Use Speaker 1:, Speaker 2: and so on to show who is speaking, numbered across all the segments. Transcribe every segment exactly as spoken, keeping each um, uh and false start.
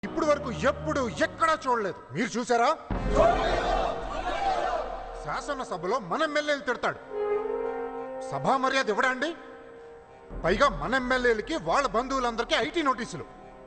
Speaker 1: ఇప్పుడు వరకు ఎప్పుడు ఎక్కడా చూడలేదు. మీరు చూసారా? శాసనసభలో మన ఎమ్మెల్యేలు తిడతాడు. సభా మర్యాద ఇవ్వడా అండి? పైగా మన ఎమ్మెల్యేలకి వాళ్ళ బంధువులందరికీ ఐటీ నోటీసులు.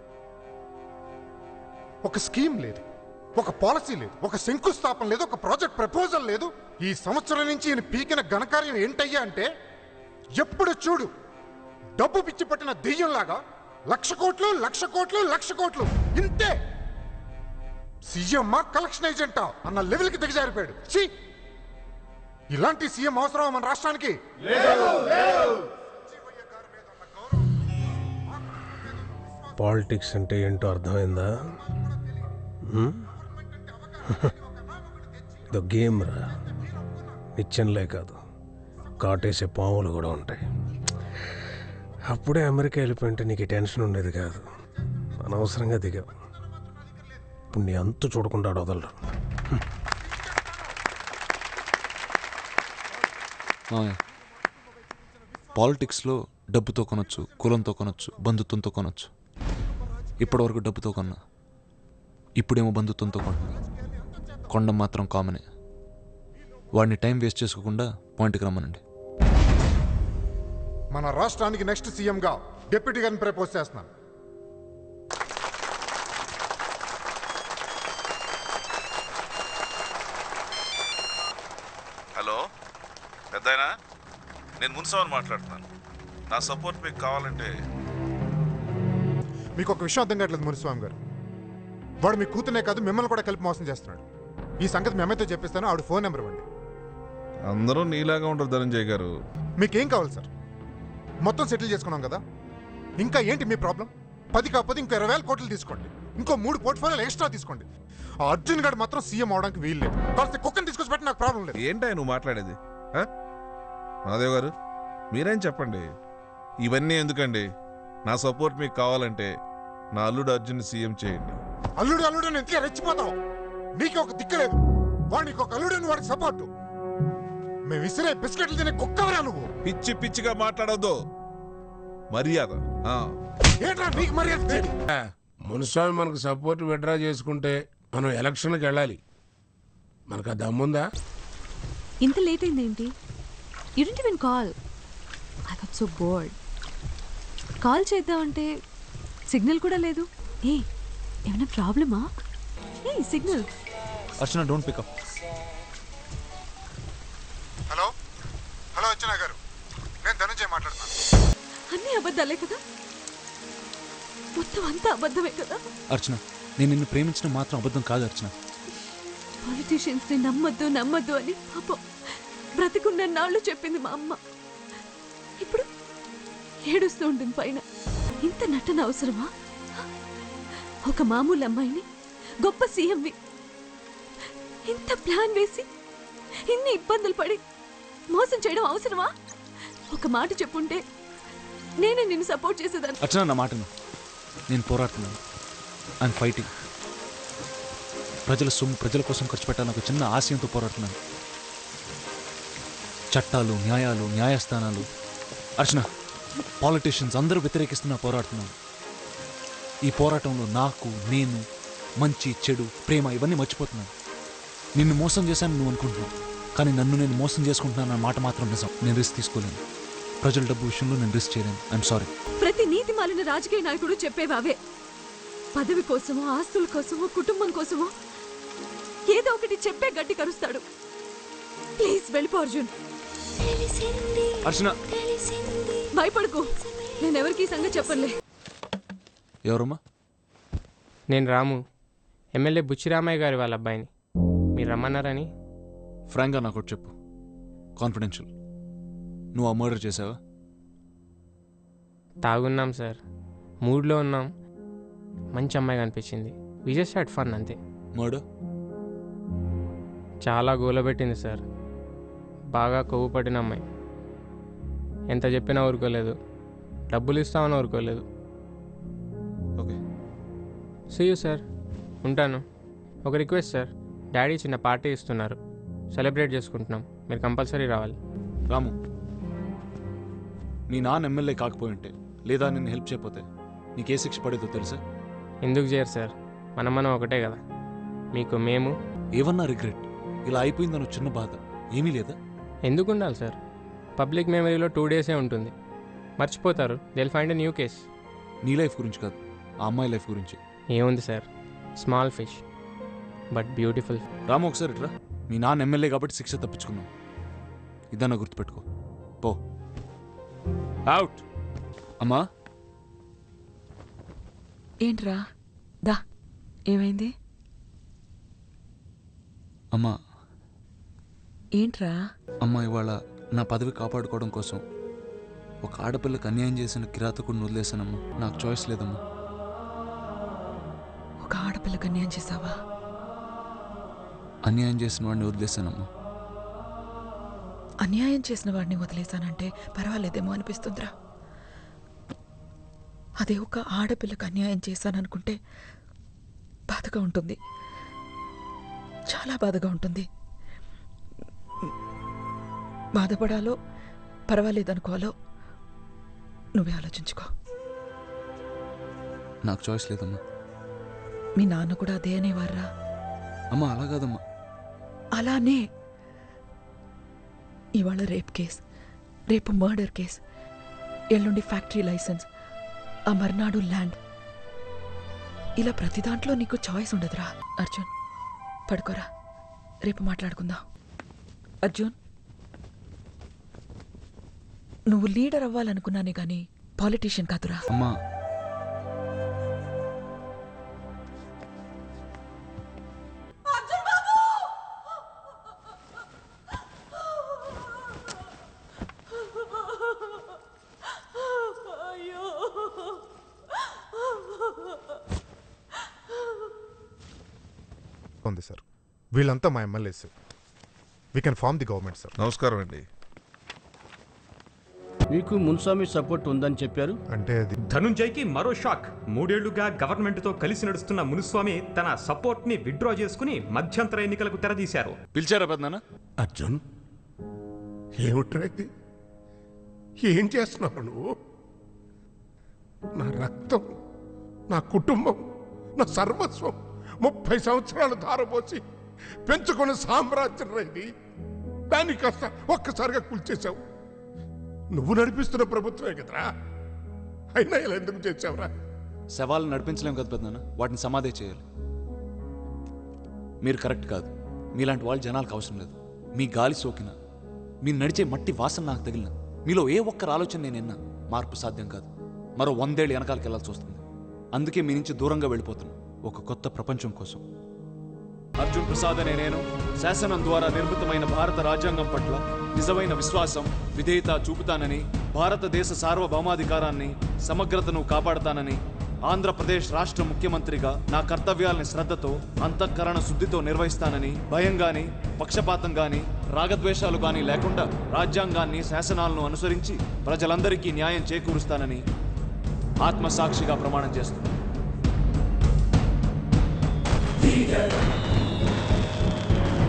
Speaker 1: ఒక స్కీమ్ లేదు, ఒక పాలసీ లేదు, ఒక శంకుస్థాపన లేదు, ఒక ప్రాజెక్ట్ ప్రపోజల్ లేదు. ఈ సంవత్సరం నుంచి ఈయన పీకిన ఘనకార్యం ఏంటయ్యా అంటే, ఎప్పుడు చూడు డబ్బు పిచ్చి పట్టిన దెయ్యంలాగా లక్ష కోట్లు లక్ష కోట్లు లక్ష కోట్లు ఇంతే. సీఎం కలెక్షన్ ఏజెంటా అన్న లెవెల్కి దిగజారిపోయాడు. ఛీ, ఇలాంటి సీఎం అవసరం మన రాష్ట్రానికి?
Speaker 2: పాలిటిక్స్ అంటే ఏంటో అర్థమైందా? ఇదో గేమ్ రా, నిత్యంలే కాదు, కాటేసే పాములు కూడా ఉంటాయి. అప్పుడే అమెరికా వెళ్ళిపోయింటే నీకు టెన్షన్ ఉండేది కాదు. అనవసరంగా దిగావు. ఇప్పుడు నీ అంతు చూడకుండా వదలరు.
Speaker 3: పాలిటిక్స్లో డబ్బుతో కొనొచ్చు, కులంతో కొనొచ్చు, బంధుత్వంతో కొనొచ్చు. ఇప్పటివరకు డబ్బుతో కొన్నా, ఇప్పుడేమో బంధుత్వంతో కొంటున్నా. కొండం మాత్రం కామనే. వాడిని టైం వేస్ట్ చేసుకోకుండా పాయింట్కి రమ్మనండి.
Speaker 1: మన రాష్ట్రానికి నెక్స్ట్ సీఎంగా డిప్యూటీ గారిని ప్రపోజ్ చేస్తున్నాను.
Speaker 4: హలో పెద్దాయనా, నేను మున్సవని మాట్లాడుతున్నాను. నా సపోర్ట్ మీకు కావాలంటే.
Speaker 1: మీకు ఒక విషయం అర్థం కావట్లేదు మునిస్వామి గారు. వాడు మీ కూతునే కాదు మిమ్మల్ని కూడా కలిపి మోసం చేస్తున్నాడు. ఈ సంగతి మేమైతే చెప్పిస్తాను. ఆవిడ ఫోన్ నెంబర్ ఇవ్వండి.
Speaker 4: అందరూ నీలాగా ఉంటారు ధనంజయ్ గారు.
Speaker 1: మీకేం కావాలి సార్? మొత్తం సెటిల్ చేసుకున్నాం కదా, ఇంకా ఏంటి మీ ప్రాబ్లం? పది కాకపోతే ఇంకో ఇరవై వేల కోట్లు తీసుకోండి, ఇంకో మూడు పోర్ట్ఫోలియోలు ఎక్స్ట్రా తీసుకోండి. ఆ అర్జున్ గారు మాత్రం సీఎం అవడానికి వీలు లేదు. కాస్త కుక్కని తీసుకొచ్చి పెట్టి నాకు ప్రాబ్లం లేదు.
Speaker 4: ఏంటో నువ్వు మాట్లాడేది? మాధవ్ గారు మీరేం చెప్పండి. ఇవన్నీ ఎందుకండి? నా సపోర్ట్ మీకు కావాలంటే నా అల్లుడు అర్జున్ సీఎం చేయండి.
Speaker 1: అల్లుడు అల్లుడు అని ఎంతగా రెచ్చిపోతావు? నీకు ఒక దిక్కులేదు, వాడికి ఒక అల్లుడు అని వాడికి సపోర్టు. మేము విసిరే బిస్కెట్లు తినే కుక్కవరా నువ్వు.
Speaker 4: పిచ్చి పిచ్చిగా మాట్లాడొద్దు. మర్యాద
Speaker 1: ఏంట్రా నీకు మర్యాద?
Speaker 5: మునిస్వామి మనకు సపోర్ట్ విడ్రా చేసుకుంటే మనం ఎలక్షన్లకు వెళ్ళాలి. మనకు ఆ దమ్ముందా?
Speaker 6: ఇంత లేట్ అయిందేంటి? You didn't even call. I got so bored. Call చేద్దామంటే సిగ్నల్ కూడా లేదు. ఏ ఏమైనా ప్రాబ్లమా? ఏ signal.
Speaker 3: Archana don't pick up.
Speaker 1: Hello hello Archana గారు, నేను ధనంజయ్ మాట్లాడుతున్నాను.
Speaker 6: అన్నీ అబద్ధాలే కదా? మొత్తం అంతా అబద్ధమే కదా?
Speaker 3: అర్చన, నేను నిన్ను ప్రేమించడం మాత్రం అబద్ధం కాదు అర్చన.
Speaker 6: పాలిటీషియన్స్ ని నమ్మద్దు నమ్మద్దు అని పాపం బ్రతికున్న నాళ్ళు చెప్పింది మా అమ్మ. ఇప్పుడు ఏడుస్తూ ఉంటుంది పైన. ఇంత నటన అవసరమా? ఒక మామూలు అమ్మాయిని గొప్ప సీఎంవి ఇంత ప్లాన్ వేసి ఇన్ని ఇబ్బందులు పడి మోసం చేయడం అవసరమా? ఒక మాట చెప్పుంటే నేనే నిన్ను సపోర్ట్ చేసేదాన్ని.
Speaker 3: అర్చన, నా మాటను. నేను పోరాడుతున్నాను. I'm fighting. ప్రజల సొమ్ము ప్రజల కోసం ఖర్చు పెట్టాలని ఒక చిన్న ఆశయంతో పోరాడుతున్నాను. చట్టాలు, న్యాయాలు, న్యాయస్థానాలు, అర్చన, పాలిటీషియన్స్ అందరూ వ్యతిరేకిస్తున్నా పోరాడుతున్నాను. ఈ పోరాటంలో నాకు, నేను, మంచి చెడు, ప్రేమ ఇవన్నీ మర్చిపోతున్నాను. నిన్ను మోసం చేశాను నువ్వు అనుకుంటున్నావు, కానీ నన్ను నేను మోసం చేసుకుంటున్నాను అన్న మాట మాత్రం నిజం. నేను రిస్క్ తీసుకోలేను. ప్రజల డబ్బు విషయంలో నేను రిస్క్ చేయలేను. I'm sorry.
Speaker 6: ప్రతి నీతి మాలిన రాజకీయ నాయకుడు చెప్పేవావే. పదవి కోసమో, ఆస్తుల కోసమో, కుటుంబం కోసమో ఏదో ఒకటి చెప్పే గట్టి కరుస్తాడు. ప్లీజ్ వెళ్ళిపో అర్జున్.
Speaker 3: అర్చన,
Speaker 6: భయపడకు, నేనెవరికి సంగతి చెప్పలే.
Speaker 3: ఎవరమ్మా?
Speaker 7: నేను రాము, ఎమ్మెల్యే బుచ్చిరామయ్య గారి వాళ్ళ అబ్బాయిని. మీరు రమ్మన్నారని.
Speaker 3: ఫ్రాంక్గా నాకు ఒకటి చెప్పు, కాన్ఫిడెన్షియల్. నువ్వు ఆ మర్డర్ చేసావా?
Speaker 7: తాగున్నాం సార్, మూడ్లో ఉన్నాం, మంచి అమ్మాయి కనిపించింది. వి జస్ట్ హ్యాడ్ ఫన్ అంతే.
Speaker 3: మర్డర్
Speaker 7: చాలా గోలబెట్టింది సార్. బాగా కొవ్వు పట్టిన అమ్మాయి. ఎంత చెప్పినా ఊరుకోలేదు, డబ్బులు ఇస్తామని ఊరుకోలేదు.
Speaker 3: ఓకే,
Speaker 7: సీ యూ సార్, ఉంటాను. ఒక రిక్వెస్ట్ సార్, డాడీ చిన్న పార్టీ ఇస్తున్నారు, సెలబ్రేట్ చేసుకుంటున్నాం, మీరు కంపల్సరీ రావాలి.
Speaker 3: రాము, నీ నాన్న ఎమ్మెల్యే కాకపోయి ఉంటే లేదా నిన్ను హెల్ప్ చేయకపోతే నీకే శిక్ష పడేదో తెలుసా?
Speaker 7: ఎందుకు చేయరు సార్? మనం మనం ఒకటే కదా. మీకు మేము.
Speaker 3: ఏమన్నా రిగ్రెట్? ఇలా అయిపోయిందన్న చిన్న బాధ ఏమీ లేదా?
Speaker 7: ఎందుకు ఉండాలి సార్? పబ్లిక్ మెమరీలో టూ డేసే ఉంటుంది, మర్చిపోతారు. దిల్ ఫైండ్ ఎ న్యూ కేస్.
Speaker 3: నీ లైఫ్ గురించి కాదు, ఆ అమ్మాయి లైఫ్ గురించి.
Speaker 7: ఏముంది sir, small fish but beautiful.
Speaker 3: Ramu ఒకసారి ఇట్రా. మీ నాన్న ఎమ్మెల్యే కాబట్టి శిక్ష తప్పించుకున్నాం, ఇదన్నా గుర్తుపెట్టుకో. పో అవుట్. అమ్మా
Speaker 8: ఏంట్రా? దా, ఏమైంది?
Speaker 3: అమ్మా
Speaker 8: ఏంట్రా?
Speaker 3: అమ్మ ఇవాళ నా పదవి కాపాడుకోవడం కోసం ఒక ఆడపిల్లకు అన్యాయం చేసిన కిరాతకుడిని వదిలేశానమ్మా. నాకు చాయిస్ లేదమ్మా.
Speaker 8: ఒక ఆడపిల్లకి అన్యాయం చేసావా?
Speaker 3: అన్యాయం చేసిన వాడిని వదిలేశానమ్మా.
Speaker 8: అన్యాయం చేసిన వాడిని వదిలేశానంటే పర్వాలేదేమో అనిపిస్తుందిరా. అదే ఒక ఆడపిల్లకి అన్యాయం చేశాననుకుంటే బాధగా ఉంటుంది, చాలా బాధగా ఉంటుంది. బాధపడాలో పర్వాలేదనుకోవాలో నువ్వే ఆలోచించుకో.
Speaker 3: నాకు చాయిస్ లేదమ్మా.
Speaker 8: మీ నాన్న కూడా అదే అనేవారా?
Speaker 3: అమ్మా అలా కాదమ్మా.
Speaker 8: అలానే ఇవాళ రేప్ కేస్, రేపు మర్డర్ కేస్, ఎల్లుండి ఫ్యాక్టరీ లైసెన్స్, ఆ మర్నాడు ల్యాండ్, ఇలా ప్రతి దాంట్లో నీకు చాయిస్ ఉండదురా. అర్జున్ పడుకోరా, రేపు మాట్లాడుకుందాం. అర్జున్, నువ్వు లీడర్ అవ్వాలనుకున్నానే గాని పాలిటీషియన్ కాదురా.
Speaker 3: అమ్మా
Speaker 1: ఉంది సార్, వీళ్ళంతా మా MLAs. We can form the government sir.
Speaker 4: నమస్కారం అండి.
Speaker 9: మీకు మున్స్వామి సపోర్ట్ ఉందని చెప్పారు.
Speaker 1: అంటే అది
Speaker 10: ధనుంజయ్కి మరో షాక్. మూడేళ్లుగా గవర్నమెంట్తో కలిసి నడుస్తున్న మునుస్వామి తన సపోర్ట్ ని విత్డ్రా చేసుకుని మధ్యంతర ఎన్నికలకు తెరదీశారు.
Speaker 3: పిలిచారా పెద్దనాన్న?
Speaker 5: అర్జున్, ఏమిట్రా ఇది? ఏం చేస్తున్నావు నువ్వు? నా రక్తం, నా కుటుంబం, నా సర్వస్వం ముప్పై సంవత్సరాలు ధారపోసి పెంచుకున్న సామ్రాజ్యం ఇది. దాన్ని కాస్త ఒక్కసారిగా కూల్చేశావు. నువ్వు నడిపిస్తున్న ప్రభుత్వమే కదరా, అయినా ఇలా ఎందుకు చేసావురా?
Speaker 3: శవాలను నడిపించలేం కదా పెద్దనాన్న, వాటిని సమాధి చేయాలి. మీరు కరెక్ట్ కాదు. మీలాంటి వాళ్ళు జనాలకు అవసరం లేదు. మీ గాలి సోకిన, మీరు నడిచే మట్టి వాసన నాకు తగిలిన, మీలో ఏ ఒక్కరు ఆలోచన నేను విన్నా మార్పు సాధ్యం కాదు. మరో వందేళ్ళు వెనకాలకి వెళ్ళాల్సి వస్తుంది. అందుకే మీ నుంచి దూరంగా వెళ్ళిపోతున్నా, ఒక కొత్త ప్రపంచం కోసం. అర్జున్ ప్రసాద్ అనే నేను శాసనం ద్వారా నిర్మితమైన భారత రాజ్యాంగం పట్ల నిజమైన విశ్వాసం, విధేయత చూపుతానని, భారతదేశ సార్వభౌమాధికారాన్ని, సమగ్రతను కాపాడతానని, ఆంధ్రప్రదేశ్ రాష్ట్ర ముఖ్యమంత్రిగా నా కర్తవ్యాలని శ్రద్ధతో, అంతఃకరణ శుద్ధితో నిర్వహిస్తానని, భయం గాని, పక్షపాతం గాని, రాగద్వేషాలు గాని లేకుండా రాజ్యాంగాన్ని, శాసనాలను అనుసరించి ప్రజలందరికీ న్యాయం చేకూరుస్తానని ఆత్మసాక్షిగా ప్రమాణం చేస్తున్నాను.